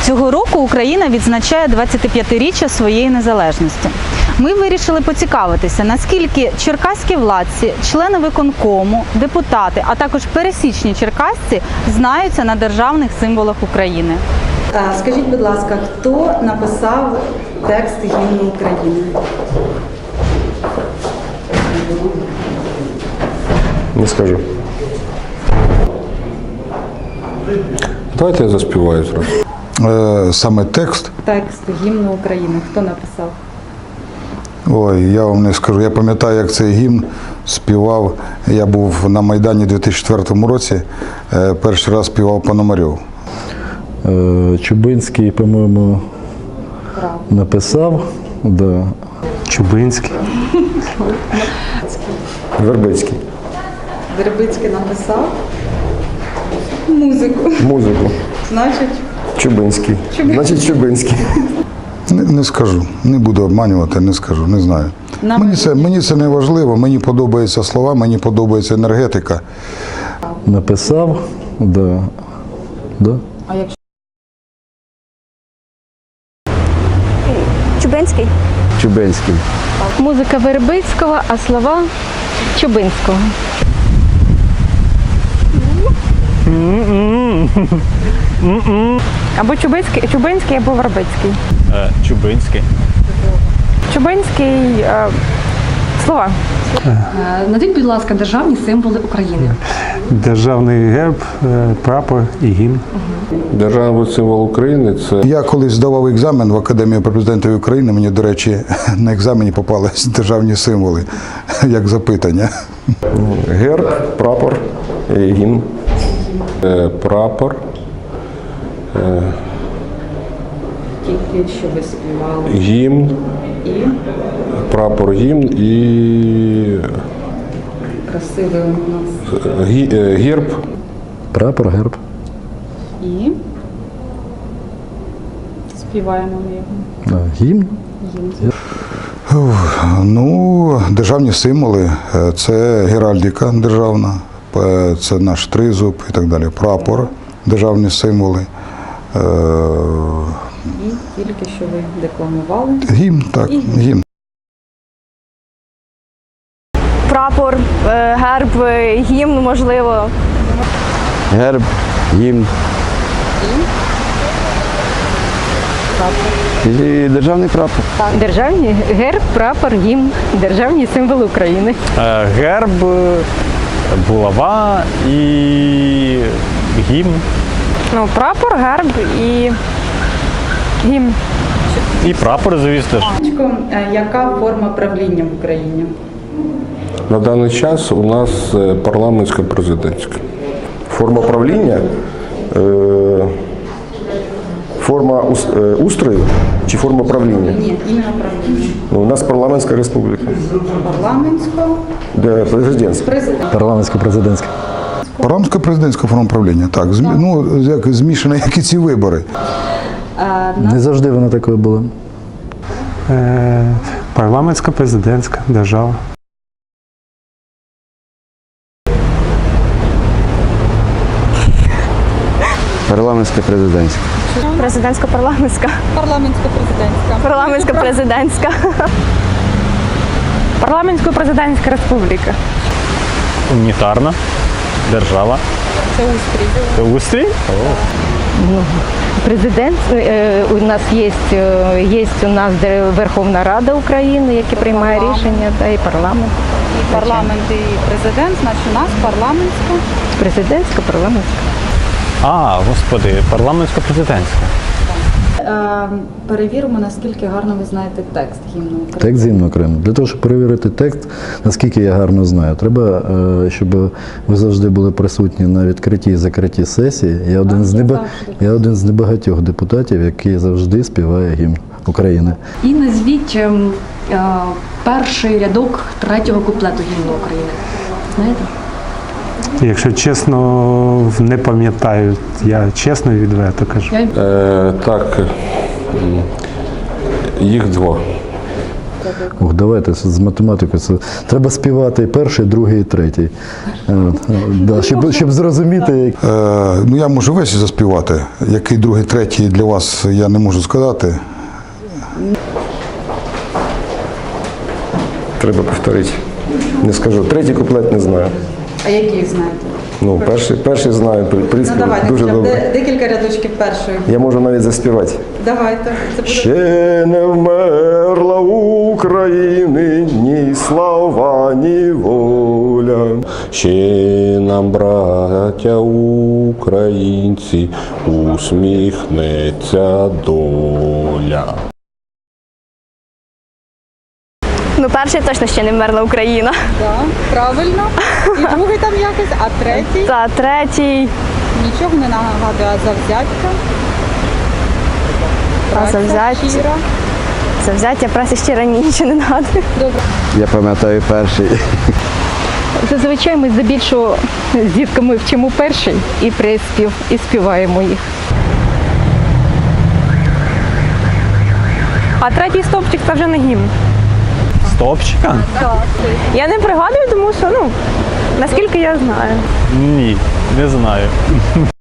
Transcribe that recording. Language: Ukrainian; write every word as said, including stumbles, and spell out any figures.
Цього року Україна відзначає двадцятип'ятиріччя своєї незалежності. Ми вирішили поцікавитися, наскільки черкаські владці, члени виконкому, депутати, а також пересічні черкасці знаються на державних символах України. Скажіть, будь ласка, хто написав текст гімну України? Не скажу. Давайте я заспіваю зразу. Е, саме текст? Текст гімну України. Хто написав? Ой, я вам не скажу. Я пам'ятаю, як цей гімн співав. Я був на Майдані у дві тисячі четвертому році. Е, перший раз співав Пономарьов. Е, Чубинський, по-моєму, написав. Да. Чубинський. Вербицький. Вербицький написав музику. Музику. Значить, Чубинський. Значить, Чубинський. Не, не скажу. Не буду обманювати, не скажу, не знаю. Нам- Мені це, мені це не важливо, мені подобаються слова, мені подобається енергетика. Написав, да. Да. а якщо Чубинський. Чубинський. Музика Вербицького, а слова Чубинського. Або Чубинський, Чубинський, або Вербицький. Е, Чубинський. Чубинський, е, слова. Назвіть, будь ласка, державні символи України. Державний герб, е, прапор і гімн. Державний символ України – це Я колись здавав екзамен в Академію при президентові України, мені, до речі, на екзамені попались державні символи, як запитання. герб, прапор і гімн. Е, Прапор. тільки що ви співали Гімн, і прапор, гімн і красивий у нас гі- е, герб. Прапор, герб. і співаємо ми його. А, гімн. Ну, державні символи – це геральдика державна, е, це наш тризуб і так далі. Прапор, державні символи. Е, І тільки що ви декламували. Гімн, так, гімн. Прапор, е, герб, е, гімн, можливо. Герб, гімн. І державний прапор. Державні герб, прапор, гімн, державні символи України. Е, Герб, булава і гімн. Ну, прапор, герб і гімн. І прапор, звісно ж. Е, Яка форма правління в Україні? На даний час у нас е, парламентсько-президентська. Форма правління, е, форма ус- е, устрою чи форма правління? Ні, іменно правління. Ну, у нас парламентська республіка, Парламентського де президентська. президента. Парламентсько-президентська. Парламентсько-президентська форма правління, так. Змі, ну, як змішано, як і ці вибори. Не завжди вона такою була. Е, Парламентська президентська держава. Парламентська президентська. Президентсько-парламентська. Парламентсько-президентська. Парламентсько-президентська. Парламентсько-президентська республіка. Унітарна держава. Це устрій. Це устрій? Президент, е, у нас є, е, є у нас де Верховна Рада України, яка приймає рішення, та і парламент. І парламент, і президент, значить у нас парламентська. Президентська, парламентська. А, господи, парламентсько-президентська. Е, Перевіримо, наскільки гарно ви знаєте текст гімну України. Текст гімну України. Для того, щоб перевірити текст, наскільки я гарно знаю, треба, е, щоб ви завжди були присутні на відкритті і закритті сесії. Я один з неба, я один з небагатьох депутатів, який завжди співає гімн України. І назвіть ем, е, перший рядок третього куплету гімну України. Знаєте? Якщо чесно, не пам'ятаю, я чесно і відверто кажу. Е, так, м, їх два. Ух, давайте з з математикою. Це треба співати перший, другий і третій. Е, е, да, щоб, щоб зрозуміти, як. Е, ну я можу весь заспівати. Який другий, третій для вас я не можу сказати. Треба повторити. Не скажу. Третій куплет не знаю. А які знаєте? Ну, перший, перший знаю, в принципі, дуже добре. декілька рядочків першої. Я можу навіть заспівати. Давайте. Це буде Ще не вмерла України ні слава, ні воля. Ще нам, браття українці, усміхнеться доля. Ну, перший точно ще не вмерла Україна. да, правильно. І другий там якось, а третій Та третій. нічого не нагадує, а завзяття. А Праця завзяття? щира. Завзяття праці ще раніше не нагадує. Я пам'ятаю перший. Зазвичай ми здебільшого з дітками вчимо перший і приспів, і співаємо їх. А третій стовпчик це вже не гімн. Стопчика? Я не пригадую, тому що, ну, наскільки я знаю. Ні, не знаю.